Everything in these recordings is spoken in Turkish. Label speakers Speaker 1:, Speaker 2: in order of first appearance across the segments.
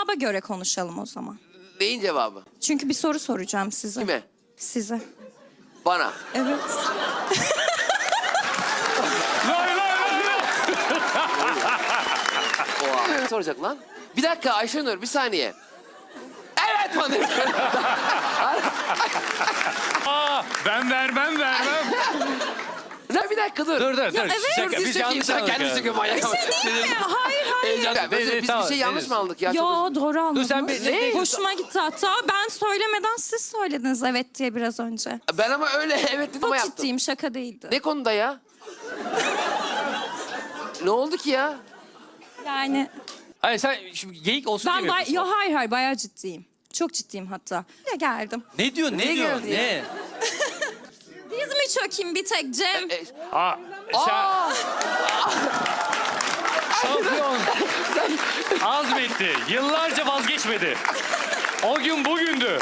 Speaker 1: Cevaba göre konuşalım o zaman.
Speaker 2: Neyin cevabı?
Speaker 1: Çünkü bir soru soracağım size.
Speaker 2: Kime?
Speaker 1: Size.
Speaker 2: Bana.
Speaker 1: Evet.
Speaker 2: Oha. Ne soracak lan? Bir dakika Ayşenur bir saniye. Evet bana.
Speaker 3: Ben vermem.
Speaker 2: Ne bir dakika dur.
Speaker 3: Dur.
Speaker 1: evet.
Speaker 3: Şaka, biz yanlış anladık.
Speaker 2: Kendisi
Speaker 3: ya.
Speaker 2: gibi manyak.
Speaker 1: Değil mi? Hayır.
Speaker 2: Heyecan. Biz
Speaker 3: tamam,
Speaker 2: bir şey yanlış mı aldık ya?
Speaker 1: Yo
Speaker 2: Çok
Speaker 1: doğru anladınız.
Speaker 3: sen ne?
Speaker 1: Hoşuma gitti hatta. Ben söylemeden siz söylediniz evet diye biraz önce.
Speaker 2: Ben ama öyle evet dedim ama
Speaker 1: Çok
Speaker 2: yaptım.
Speaker 1: ciddiyim, şaka değildi.
Speaker 2: Ne konuda ya? Ne oldu ki ya?
Speaker 1: Yani
Speaker 3: Hayır sen şimdi geyik olsun
Speaker 1: ben
Speaker 3: diye mi yapıyorsun?
Speaker 1: hayır bayağı ciddiyim. Çok ciddiyim hatta. Ya geldim.
Speaker 3: Ne diyor?
Speaker 2: Ne geldi ya?
Speaker 3: Ne?
Speaker 1: Diz mi çökeyim bir tek Cem?
Speaker 3: Aa, sen şampiyon. Azmetti. Yıllarca vazgeçmedi. O gün bugündü.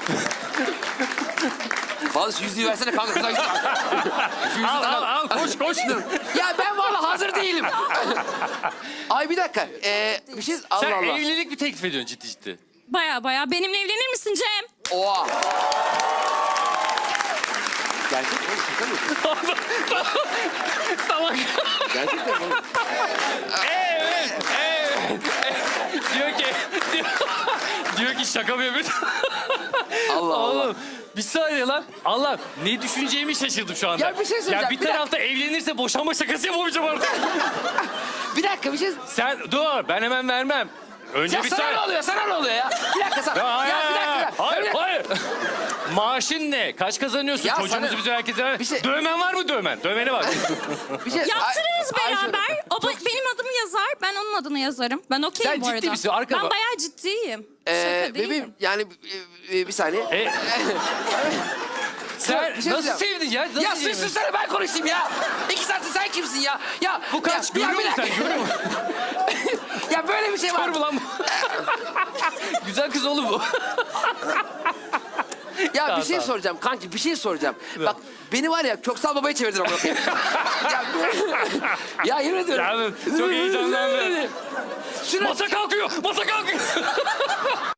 Speaker 2: Fazla yüzüğü versene kanka. Kıza git. Şu yüzüğü tak-
Speaker 3: Al koş.
Speaker 2: Ya ben vallahi hazır değilim. Ay bir dakika. Bir şey... Allah
Speaker 3: Sen
Speaker 2: Allah.
Speaker 3: evlilik mi teklif ediyorsun ciddi?
Speaker 1: Baya benimle evlenir misin Cem?
Speaker 2: Oha. Gerçek mi? Şaka mı?
Speaker 3: Tamam.
Speaker 2: Gerçekten mi?
Speaker 3: Evet. diyor ki şaka mı yapıyorsun?
Speaker 2: Allah Allah.
Speaker 3: Oğlum bir saniye lan. Allah ne düşüneceğimi şaşırdım şu anda.
Speaker 2: Ya bir şey söyleyeceğim,
Speaker 3: Ya bir
Speaker 2: bir dakika.
Speaker 3: tarafta evlenirse boşanma şakası yapamayacağım artık.
Speaker 2: Bir dakika bir şey...
Speaker 3: Sen dur ben hemen vermem. Önce
Speaker 2: Ya
Speaker 3: bir
Speaker 2: sana
Speaker 3: saniye.
Speaker 2: ne oluyor? Sana ne oluyor ya? Bir dakika sana. Ya bir dakika.
Speaker 3: Hayır. Maaşın ne? Kaç kazanıyorsun?
Speaker 2: Ya
Speaker 3: Çocuğumuzu
Speaker 2: sana-
Speaker 3: bize herkese...
Speaker 2: Bir şey-
Speaker 3: Dövmen var mı dövmen? Dövmene bak.
Speaker 2: Bir şey...
Speaker 1: Yaptırırız
Speaker 2: Ay- Ayşe-
Speaker 1: beraber. O
Speaker 2: Çok-
Speaker 1: benim adımı yazar, ben onun adını yazarım. Ben okeyim
Speaker 3: Sen
Speaker 1: bu arada.
Speaker 3: ciddi misin? Arka
Speaker 1: Ben
Speaker 3: bak.
Speaker 1: bayağı ciddiyim. Şaka değilim.
Speaker 2: Bebeğim yani bir saniye.
Speaker 3: Sen
Speaker 2: Bir şey
Speaker 3: nasıl
Speaker 2: diyeceğim.
Speaker 3: sevdin ya? Nasıl
Speaker 2: Ya
Speaker 3: sevdin?
Speaker 2: sussana ben konuşayım ya. 2 saattir sen kimsin ya? Ya
Speaker 3: Bu kaç?
Speaker 2: ya,
Speaker 3: Görüyor
Speaker 2: bir
Speaker 3: musun sen?
Speaker 2: dakika.
Speaker 3: Görüyor musun?
Speaker 2: Ya böyle bir şey var.
Speaker 3: Kör mü lan bu? Güzel kız oğlum bu.
Speaker 2: Ya
Speaker 3: Tamam,
Speaker 2: bir şey
Speaker 3: tamam.
Speaker 2: soracağım kanki bir şey soracağım. Bak beni var ya Köksal babaya çevirdin amına koyayım. ya yemin ediyorum.
Speaker 3: Ya, çok heyecanlandım.
Speaker 2: Şuna
Speaker 3: Masa kalkıyor.